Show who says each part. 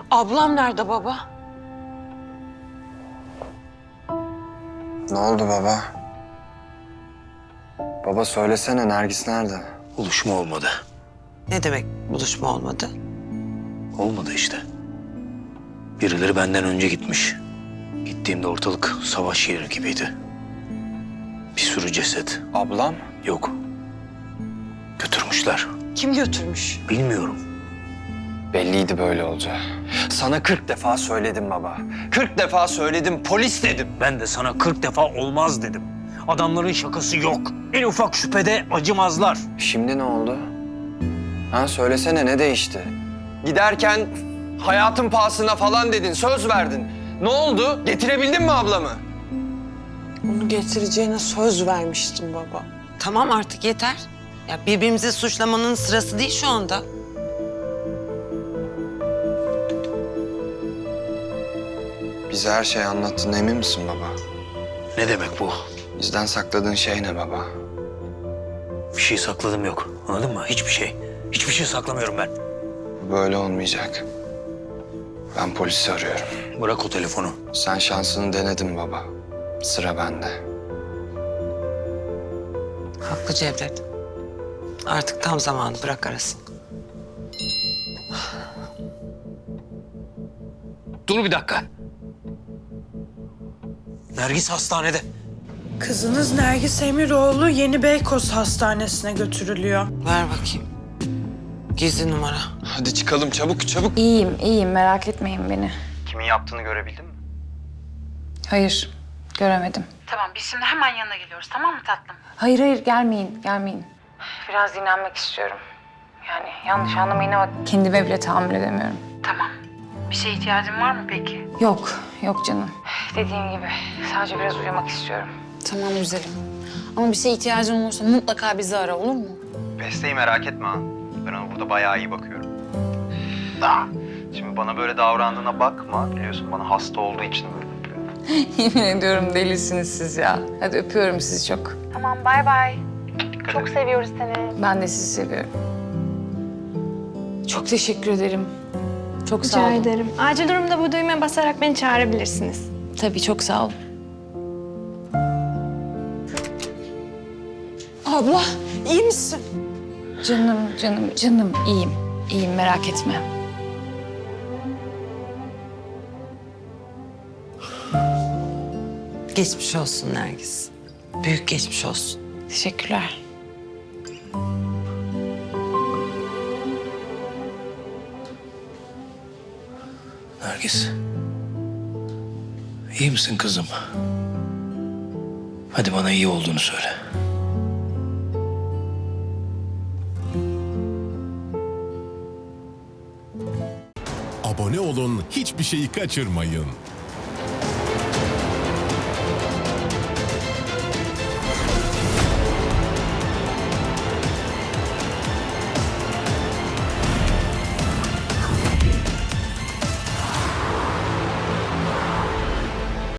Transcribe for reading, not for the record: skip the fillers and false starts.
Speaker 1: Ablam nerede baba?
Speaker 2: Ne oldu baba? Baba söylesene, Nergis nerede?
Speaker 3: Buluşma olmadı.
Speaker 1: Ne demek buluşma olmadı?
Speaker 3: Olmadı işte. Birileri benden önce gitmiş. Gittiğimde ortalık savaş yeri gibiydi. Bir sürü ceset.
Speaker 2: Ablam?
Speaker 3: Yok. Götürmüşler.
Speaker 1: Kim götürmüş?
Speaker 3: Bilmiyorum.
Speaker 2: Belliydi böyle olacağı. Sana 40 defa söyledim baba. 40 defa söyledim, polis dedim.
Speaker 3: Ben de sana 40 defa olmaz dedim. Adamların şakası yok. En ufak şüphede acımazlar.
Speaker 2: Şimdi ne oldu? Ha söylesene, ne değişti? Giderken hayatın pahasına falan dedin, söz verdin. Ne oldu? Getirebildin mi ablamı?
Speaker 1: Onu getireceğine söz vermiştim baba. Tamam artık yeter. Ya birbirimizi suçlamanın sırası değil şu anda.
Speaker 2: Bize her şeyi anlattın, emin misin baba?
Speaker 3: Ne demek bu?
Speaker 2: Bizden sakladığın şey ne baba?
Speaker 3: Bir şey sakladım yok. Anladın mı? Hiçbir şey. Hiçbir şey saklamıyorum ben.
Speaker 2: Bu böyle olmayacak. Ben polisi arıyorum.
Speaker 3: Bırak o telefonu.
Speaker 2: Sen şansını denedin baba. Sıra bende.
Speaker 1: Haklı Cevdet. Artık tam zamanı, bırak arasın.
Speaker 3: Dur bir dakika. Nergis hastanede.
Speaker 4: Kızınız Nergis Emiroğlu Yeni Beykoz Hastanesi'ne götürülüyor.
Speaker 1: Ver bakayım. Gizli numara.
Speaker 2: Hadi çıkalım, çabuk çabuk.
Speaker 5: İyiyim. Merak etmeyin beni.
Speaker 2: Kimin yaptığını görebildin mi?
Speaker 5: Hayır, göremedim.
Speaker 6: Tamam biz şimdi hemen yanına geliyoruz tamam mı tatlım?
Speaker 5: Hayır, gelmeyin. Biraz dinlenmek istiyorum. Yani yanlış anlamayın ama kendime bile tahammül edemiyorum.
Speaker 6: Tamam. Bir şeye ihtiyacın var mı peki?
Speaker 5: Yok canım. Dediğim gibi sadece biraz uyumak istiyorum.
Speaker 7: Tamam güzelim. Ama bir şeye ihtiyacın olursa mutlaka bizi ara olur mu?
Speaker 8: Beste'yi merak etme ha. Ben ona burada bayağı iyi bakıyorum. Da. Şimdi bana böyle davrandığına bakma. Biliyorsun bana hasta olduğu için böyle yapıyor.
Speaker 5: Yemin ediyorum delisiniz siz ya. Hadi öpüyorum sizi çok.
Speaker 6: Tamam bay bay. Çok seviyoruz seni.
Speaker 5: Ben de sizi seviyorum. Çok teşekkür ederim. Çok sağ
Speaker 9: Rica
Speaker 5: olun.
Speaker 9: ederim. Acil durumda bu düğmeye basarak beni çağırabilirsiniz.
Speaker 5: Tabii çok sağ olun.
Speaker 1: Abla, iyi misin?
Speaker 5: Canım iyiyim. İyiyim merak etme.
Speaker 1: Geçmiş olsun Nergis. Büyük geçmiş olsun.
Speaker 5: Teşekkürler.
Speaker 3: Nergis. İyi misin kızım? Hadi bana iyi olduğunu söyle.
Speaker 10: Abone olun, hiçbir şeyi kaçırmayın.